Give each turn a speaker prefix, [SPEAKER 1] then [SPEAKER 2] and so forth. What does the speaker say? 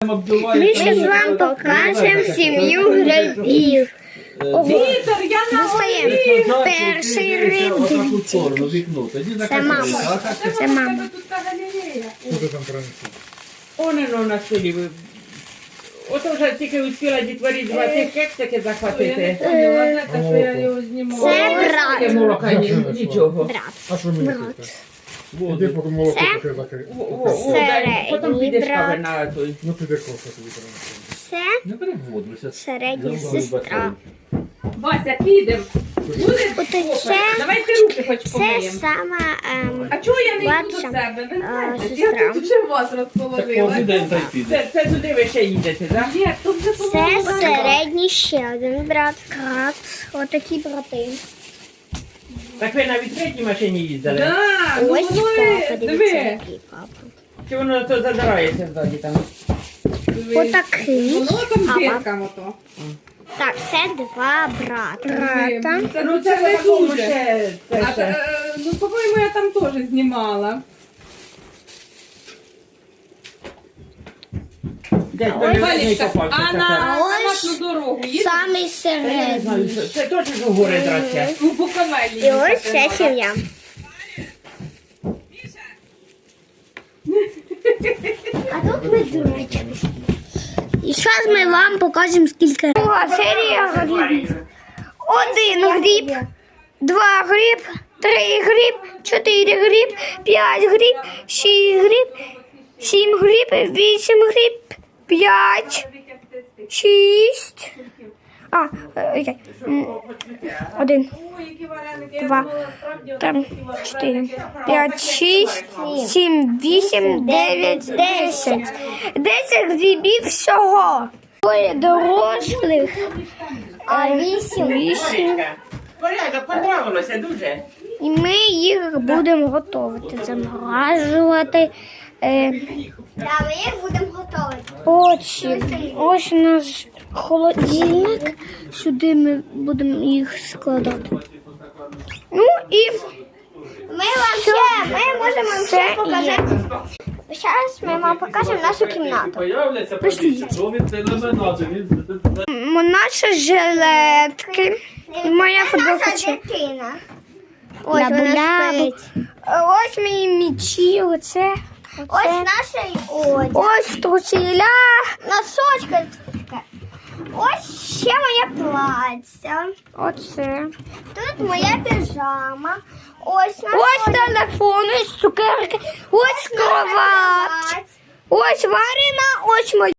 [SPEAKER 1] Ми зараз вам покажемо сім'ю грибів.
[SPEAKER 2] Вітер, я на
[SPEAKER 1] Достаємо перший гриб. Це мама. Це мама.
[SPEAKER 3] Що ти там принесла?
[SPEAKER 2] Онено на столі. Ото вже тільки успіла дітворі два цих кексики захватити.
[SPEAKER 1] Це брат.
[SPEAKER 2] Молока нічого.
[SPEAKER 1] Брат.
[SPEAKER 3] А що мені тут? Іди поки молоко таке закрити.
[SPEAKER 2] Потім підеш
[SPEAKER 1] брат.
[SPEAKER 2] кави на той.
[SPEAKER 3] Ну піди кофе тобі принесла.
[SPEAKER 1] Це
[SPEAKER 4] Не бери воду, зараз.
[SPEAKER 1] середня сестра.
[SPEAKER 2] Вася, підемо. Буде
[SPEAKER 1] Ото
[SPEAKER 2] кофе.
[SPEAKER 1] це,
[SPEAKER 2] Давайте руки хоч
[SPEAKER 1] це
[SPEAKER 2] помиємо.
[SPEAKER 1] сама
[SPEAKER 2] А чого я не йду до
[SPEAKER 1] младша
[SPEAKER 2] себе? Ви знаєте,
[SPEAKER 1] сестра.
[SPEAKER 2] я тут вже вас
[SPEAKER 4] Так
[SPEAKER 2] розположила.
[SPEAKER 4] кожен день так піде.
[SPEAKER 2] Це туди ви ще їдете, так? Ні, тут вже
[SPEAKER 1] Це середній ще один брат. Брат. Отакі брати.
[SPEAKER 2] Так ви на відкритій машині їздили?
[SPEAKER 5] Да,
[SPEAKER 1] Ось
[SPEAKER 5] ну
[SPEAKER 1] папа,
[SPEAKER 5] диви,
[SPEAKER 1] дивіться,
[SPEAKER 5] диви.
[SPEAKER 1] який папа.
[SPEAKER 2] Чи воно то задирається ззаді там?
[SPEAKER 1] Отакий.
[SPEAKER 5] Воно там
[SPEAKER 1] Папа.
[SPEAKER 5] диркам ото.
[SPEAKER 1] Так, це два брата.
[SPEAKER 2] Ну це не
[SPEAKER 5] дуже.
[SPEAKER 2] ще. Це
[SPEAKER 5] А,
[SPEAKER 2] ще.
[SPEAKER 5] ну, по-моєму, я там теж знімала.
[SPEAKER 2] Дядь,
[SPEAKER 1] Ой,
[SPEAKER 2] не
[SPEAKER 5] Валечка,
[SPEAKER 2] попався
[SPEAKER 5] а
[SPEAKER 2] така.
[SPEAKER 5] на
[SPEAKER 1] Ось
[SPEAKER 5] автоматну дорогу їде?
[SPEAKER 1] Самий
[SPEAKER 2] Я не знаю,
[SPEAKER 1] середній.
[SPEAKER 2] це точно ж у гори драться.
[SPEAKER 5] У Буковелі
[SPEAKER 1] І ось
[SPEAKER 5] їхати
[SPEAKER 1] ця
[SPEAKER 5] надо.
[SPEAKER 1] сім'я. А тут ми дурочки. І зараз ми вам покажемо скільки. Друга серія грибів. Один гриб, два гриб, три гриб, чотири гриб, п'ять гриб, шість гриб, сім гриб, вісім гриб, п'ять, шість. Один, два, три, чотири, п'ять, шість, сім, вісім, дев'ять, десять. 10 грибів всього. Двоє дорослих, а вісім.
[SPEAKER 2] Порядок, понравилося дуже.
[SPEAKER 1] І ми їх будемо готувати, заморажувати. Так, ми їх будемо готувати. Потім ось наш холодильник. Сюди ми будемо їх складати. Ну і ми можемо ще показати. Зараз ми вам покажемо нашу кімнату.
[SPEAKER 4] Появляться
[SPEAKER 1] Наші жилетки. Моя футболка.
[SPEAKER 6] дитина.
[SPEAKER 1] Ось вона спить. Ось мої мічі, оце.
[SPEAKER 6] Ось наша одяг.
[SPEAKER 1] Ось труселя.
[SPEAKER 6] Носочки. Ось ще моє плаття.
[SPEAKER 1] Оце.
[SPEAKER 6] Тут моя піжама. Ось наша
[SPEAKER 1] Ось телефон, ось цукерки, ось кровать. Ось Варина, ось моя.